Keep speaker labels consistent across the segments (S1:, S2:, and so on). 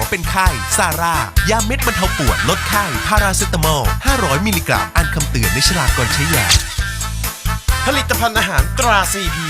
S1: วเป็นไข้ซาร่ายาเม็ดบรรเทาปวดลดไข้พาราเซตามอล500มิลลิกรัมอ่านคำเตือนในฉลากก่อนใช้ยาผลิตภัณฑ์อาหารตราซีพี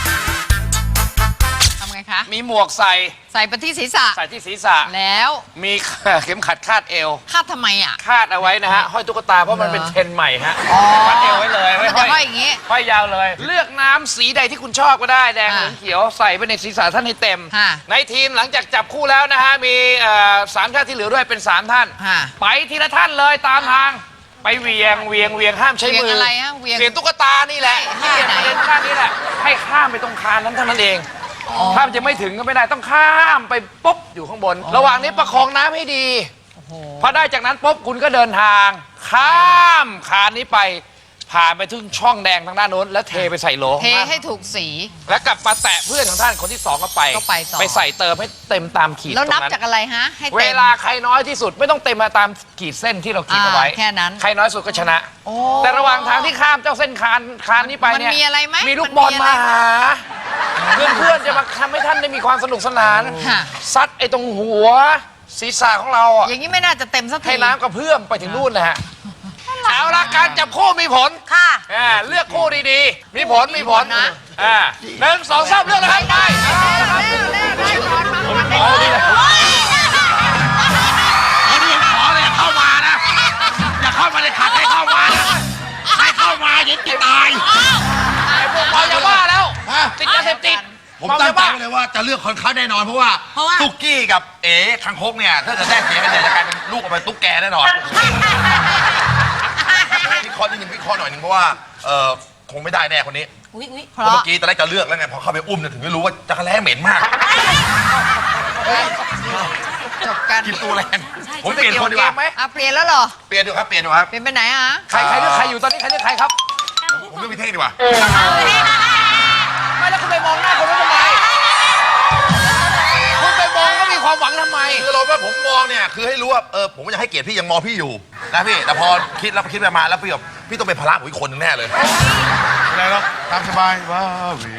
S2: ทำไงคะ
S3: มีหมวกใส่
S2: ไปที่ศีรษะ
S3: ใส่ที่ศีรษะ
S2: แล้ว
S3: มีเข็มขัดคาดเอว
S2: คาดทำไมอ่ะ
S3: คาดเอาไว้นะฮะห้อยตุ๊กตาเพราะมันเป็นเทรนด์ใหม่ฮะคาดเอวไว้เลย
S2: มันจะห้อยอย่างงี้
S3: ห้อยยาวเลย เลือกน้ำสีใดที่คุณชอบก็ได้แดงเหลืองเขียวใส่ไปในศีรษะท่านให้เต็มในทีมหลังจากจับคู่แล้วนะฮะมี3 ท่านที่เหลือด้วยเป็น3 ท่านไปทีละท่านเลยตามทางไปเวียงห้ามใช้มือ
S2: อะไรฮะเวียง
S3: ตุ๊กตานี่แหละที่เปลี่ยนประเด็นข้างนี้แหละให้ข้ามไปตรงคานนั้นเท่านั้นเองถ้ามันจะไม่ถึงก็ไม่ได้ต้องข้ามไปปุ๊บอยู่ข้างบนระหว่างนี้ประคองน้ำให้ดีพอได้จากนั้นปุ๊บคุณก็เดินทางข้ามคานนี้ไปผ่านไปถึงช่องแดงทางด้านโน้นแล้วเทไปใส่โหล
S2: เทให้ถูกสี
S3: แล้วกลับมาแตะเพื่อนของท่านคนที่2ก็ไปไปใส่เติมให้เต็มตามขีด
S2: แล้วนับจากอะไรฮะให้
S3: เวลาใครน้อยที่สุดไม่ต้องเต็มมาตามขีดเส้นที่เราขีดเอาไว้
S2: แค่นั้น
S3: ใครน้อยสุดก็ชนะแต่ระหว่างทางที่ข้ามเจ้าเส้นคานนี้ไปเนี่ย
S2: มันมีอะไรไหม
S3: มีลูกบอลมาหาเพื่อนจะมาทำให้ท่านได้มีความสนุกสนานซัดไอ้ตรงหัวศีรษะของเราอ่ะ
S2: อย่างนี้ไม่น่าจะเต็มสักที
S3: ให้น้ำกระเพื่อมไปถึงนู่นเลยฮะเอาละการจับคู่มีผล
S2: ค่ะ
S3: เลือกคู่ดีๆมีผลนะ1 2 3เลือกเลยครับไปผมขอเลยอย่าเข้ามานะอย่าเข้ามาเลยขัดให้เข้ามาให้เข้ามาอย่าติดตายไอ้พวกเราอย่าว่าแล้วติดยาเสพติด
S4: ผมตั้งใจเลยว่าจะเลือกคนเขาแน่นอนเพราะว่าตุ๊กกี้กับเอ๋คังคกเนี่ยถ้าจะได้เสียกันเนี่ยจะกลายเป็นลูกออกมาตุ๊กแกแน่นอนวิเคราะห์นิดนึงวิเคราะห์หน่อยนึงเพราะว่าคงไม่ได้แน่คนนี้เพราะเมื่อกี้ตอนแรกจะเลือกแล้วไงพอเข้าไปอุ้มเนี่ยถึงได้รู้ว่าจักรแล้เหม็นมาก
S2: จบกัน
S4: กินตัวแรงผมเปลี่ยนคนดีกว่า
S2: เปลี่ยนแล้วเหรอ
S4: เปลี่ยนดูครับเปลี่ยน
S2: ไปไหนฮะ
S3: ใครเลือกใครอยู่ตอนนี้ใครเลือกใครครับ
S4: ผมเลือกพี่เท่งดีกว่า
S3: ไม่แล้วคุณไปมองหน้าคนนู้นทำไมคุณไปมองก็มีความหวังทำไม
S4: คือเราว่าผมมองเนี่ยคือให้รู้ว่าผมอยากให้เกียรติพี่ยังมองพี่อยู่นะพี่แต่พอคิดไปมาแล้วพี่ต้องเป็นภาระของอีกคนนึงแน่เลย
S5: อะไรเนาะตามสบายว้าวี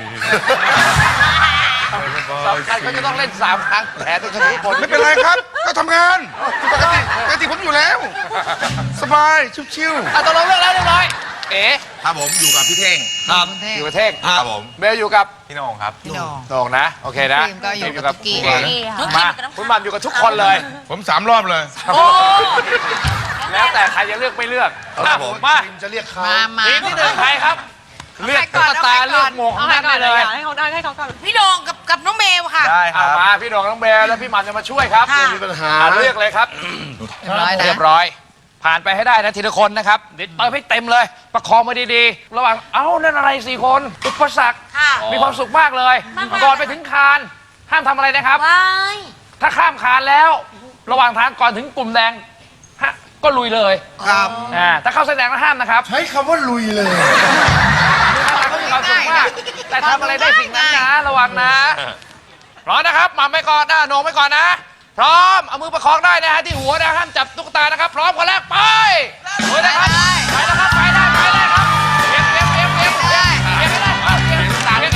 S3: สำคัญเขาจะต้องเล่น3 ครั้งแต่ต้องชนะทุกคน
S5: ไม่เป็นไรครับก็ทำงานปกติผมอยู่แล้วสบายชิว
S3: ๆตกลงเลือกแล้วเรียบร้อย
S4: ครับผมอยู่กับพี่เท่ง
S3: ครับอยู่กับเท่ง
S4: ครับผม
S3: เบลอยู่กับ
S4: พี่น้องครับ
S2: พี่น้
S3: องนะโอเคนะ
S2: ก็อยู่กับกิ๊ก
S3: มาคุณบัมอยู่กับทุกคนเลย
S5: ผม3 รอบเลย
S3: แล้วแต่ใครจะเลือกไม่เลือกมา
S4: จะเรียกเขา
S3: ทีมที่1ใครครับเลือกตุ๊กตาเลือกหมวกของท่านได้เลย
S2: ให้เขาก่อนพี่โดงกับน้องเมลค่ะ
S3: ได้ครับมาพี่โดงน้องเบลแล้วพี่หมันจะมาช่วยครับ
S4: ไม่มีปัญหา
S3: เลือกเลยครับเรียบร้อยผ่านไปให้ได้นะทีละคนนะครับเติมให้เต็มเลยประคองมาดีๆระหว่างนั่นอะไร4 คนอุปสรรคมีความสุขมากเลยก่อนไปถึงคานห้ามทำอะไรนะครับถ้าข้ามคานแล้วระหว่างทางก่อนถึงกลุ่มแดงก็ลุยเลย
S4: ครับ
S3: ถ้าเข้าเส้นแดงแล้วห้ามนะครับ
S4: ใช้คำว่าลุยเลย
S3: มีความสุขมากแต่ทำอะไรได้สิ่งนั้นนะระวังนะพร้อมนะครับหม่ำไปก่อนโหน่งไปก่อนนะพร้อมเอามือประคองได้นะฮะที่หัวนะห้ามจับตุ๊กตานะครับพร้อมคนแรกไปเลยนะครับไปนะครับไปได้ครับเก็บได้เก็บตุ๊กตาเก็บ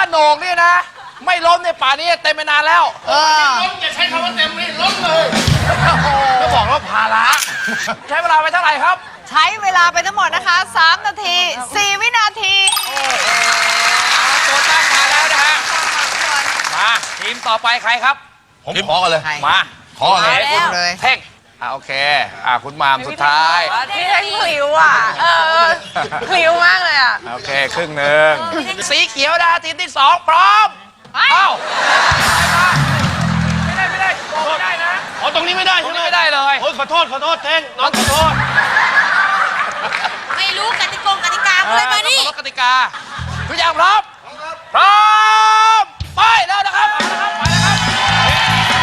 S3: โหน่งนี่นะ ไม่ล้มในป่านี้เต็มไปนานแล้ว
S5: อย่าใช้คำว่าเต็มเลยล้มเลย
S3: ก็บอกว่าภาระใช้เวลาไปเท่าไหร่ครับ
S2: ใช้เวลาไปทั้งหมดนะคะ 3 นาที 4 วินาที
S3: ตัวตั้งมาแล้วนะฮะ มาทีมต่อไปใครครับ
S4: ผมขอกันเลย
S2: ใคร
S3: มา
S4: ขอเลย
S2: มาแล้วเลย
S3: เท่งโอเคคุณมามสุดท้าย
S2: ที่ให้พลิ้วอ่ะพลิ้วมากเลยอ่ะ
S3: โอเคครึ่งหนึ่งสีเขียวนะทีมที่ 2 พร้อม
S2: ไป
S3: เอ้าไม่ได้บอกไม่ได้นะ
S5: อ๋อตรงนี้ไม่ได้
S3: ตรง
S5: ใช่ไหม
S3: นี้ไม่ได้เลย
S5: โอ้ยขอโทษเท่งน้องขอโทษ
S2: ไม่รู้กติกาเลยมานี่
S3: ต้องเคารพกติกาทุกอย่างพร้อมพร้อมไปแล้วนะครับไปแล้วครับ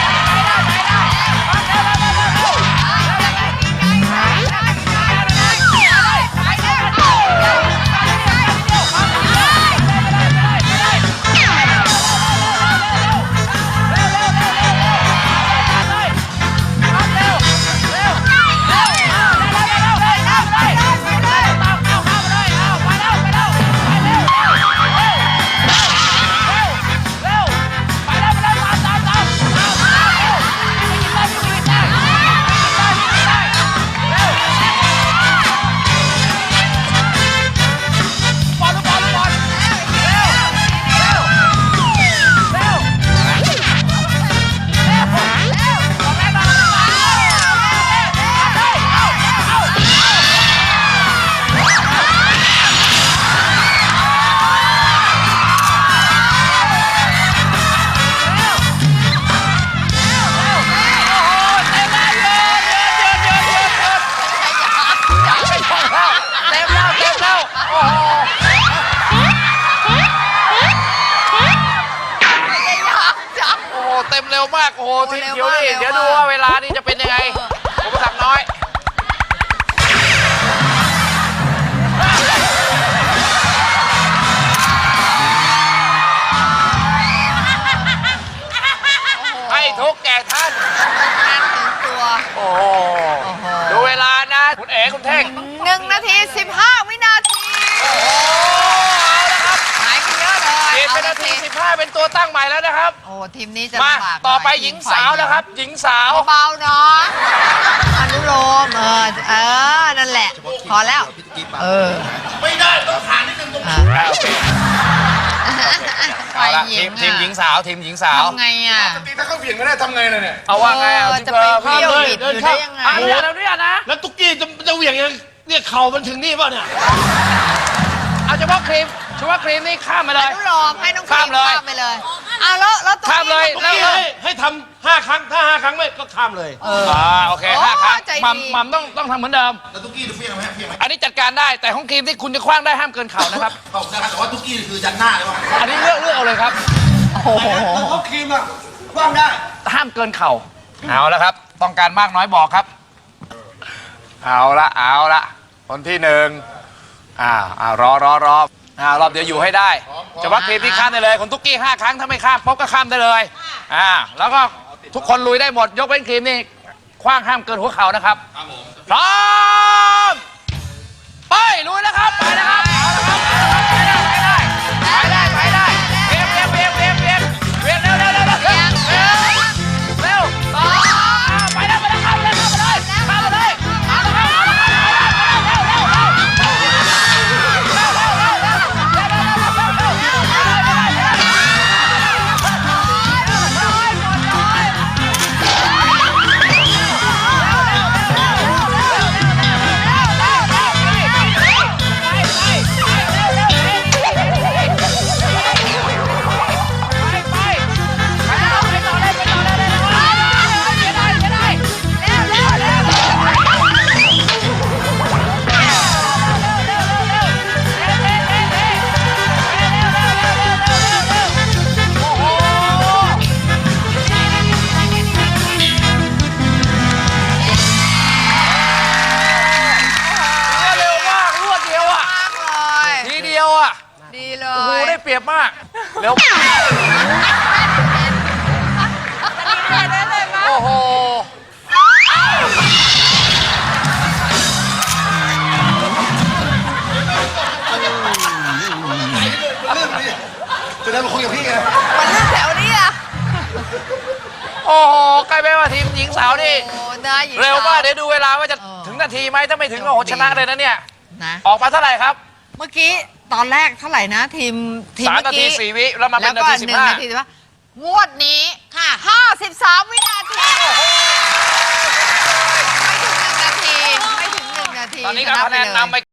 S3: เต็มเร็วมากโอ้โหทีมเขียวนี่เดี๋ยวดูว่าเวลานี่จะเป็นยังไงอุปสรรคน้อยให้ทุกแก่ท่าน
S2: ตัว
S3: โอ้โหดูเวลานะคุณเอ๋คุณเท่ง
S2: 1 นาที 15 วินาทีหายไปเยอะเลย
S3: เปลี่ยนเป็นนาที 15 เป็นตัวตั้งใหม่แล้วนะครับ
S2: โอ้ทีมนี้จะ
S3: มา
S2: ลำบาก
S3: ต่อไป
S2: น่ย
S3: หญิงสาวนะครับ หญิงสาว
S2: เบาๆเนาะอนุโลมนั่นแหละ พอแล้ว
S5: ไม่ได้ต้องผ่านนิดนึงตรงนี้
S2: ฝ่าย
S3: เอาละ
S2: หญิง
S3: ทีมหญิงสาวทีมหญิงสาว
S2: ทำไงอ่ะ
S5: ถ้าเขาเบี่ยงไม่ได้ทำไงเลยเนี่ย
S3: เอาว่าไงอ่ะ
S2: จะไปเที่ยวบิดอยู่ได้ยังไง
S3: อ่ะเนี่ยนะ
S5: แล้วตุ๊กกี้จะเหวี่ยงยังเนี่ยเข่ามันถึงนี่ป่ะเนี่ย
S3: เอาเฉพาะครีมนี่ข้ามมาเล
S2: อย นุโลมให้น้องครี
S3: ข้าม
S2: ม
S3: เลย
S2: ข้ามไปเลยแล้วตัว
S3: ข้ามเลย
S5: ตุ๊กกี้ให้ทำ5 ครั้งถ้า5 ครั้งไม่ก็ข้ามเลย
S3: โอเค
S2: โอ้
S3: 5 ครั้ง
S2: ใจดี
S3: มัมต้องทำเหมือนเดิม
S4: แล้วตุ๊กกี้จะเพี้ยงไหมเพี้ยงไหม
S3: อันนี้จัดการได้แต่ของครีมที่คุณจะคว้างได้ห้ามเกินเข่านะครับ
S4: เขาจะแต่ว่าตุ๊กกี้คือยันหน้าเลยว่ะ
S3: อันนี้เลือกเอาเลยครับ
S2: โอ้โห
S5: เขาครีมอ่ะกว้างได้
S3: ห้ามเกินเข่าเอาละครับ ต้องการมากน้อยบอกครับ เอาละคนที่1รอรอบเดี๋ยวอยู่ให้ได้เฉพาะครีมที่ข้ามได้เลยคนตุ๊กกี้5 ครั้งถ้าไม่ข้ามป๊อกก็ข้ามได้เลยแล้วก็ทุกคนลุยได้หมดยกเว้นครีมนี่คว้างห้ามเกินหัวเข่านะครับพร้อมไปลุยแล้วครับไปนะครับเอาละครับไปได้เวียงเร็วต่อไปแล้วเข้าเลยเอาละครับทีเดียวอ่ะ
S2: ดีเล
S3: โอ้โห
S2: ย
S3: ได้เปรียบมากเร็วโอ้โห
S5: เดินมาคุยกับพี่ไง
S2: มันเรื่องแถวนี้อะ
S3: โอ้โหใกล้ไปว่าทีมหญิงสาวนี่
S2: โอ้ได้หญิงส
S3: เร็วมากเดี๋ยวดูเวลาว่าจะถึงนาทีไหมถ้าไม่ถึงโอ้โหชนะเลยนะเนี่ย
S2: นะ
S3: ออกมาเท่าไหร่ครับ
S2: เมื่อกี้ตอนแรกเท่าไหร่นะทีม
S3: 3 นาที 4 วิแล้วมาเป็นนาที
S2: 1 นาที15งวดนี้ค่ะ53 วินาทีไม่ถึง1 นาทีไม่ถึง1 นาที
S3: 15ตอนนี้ก็คะแนนนำไป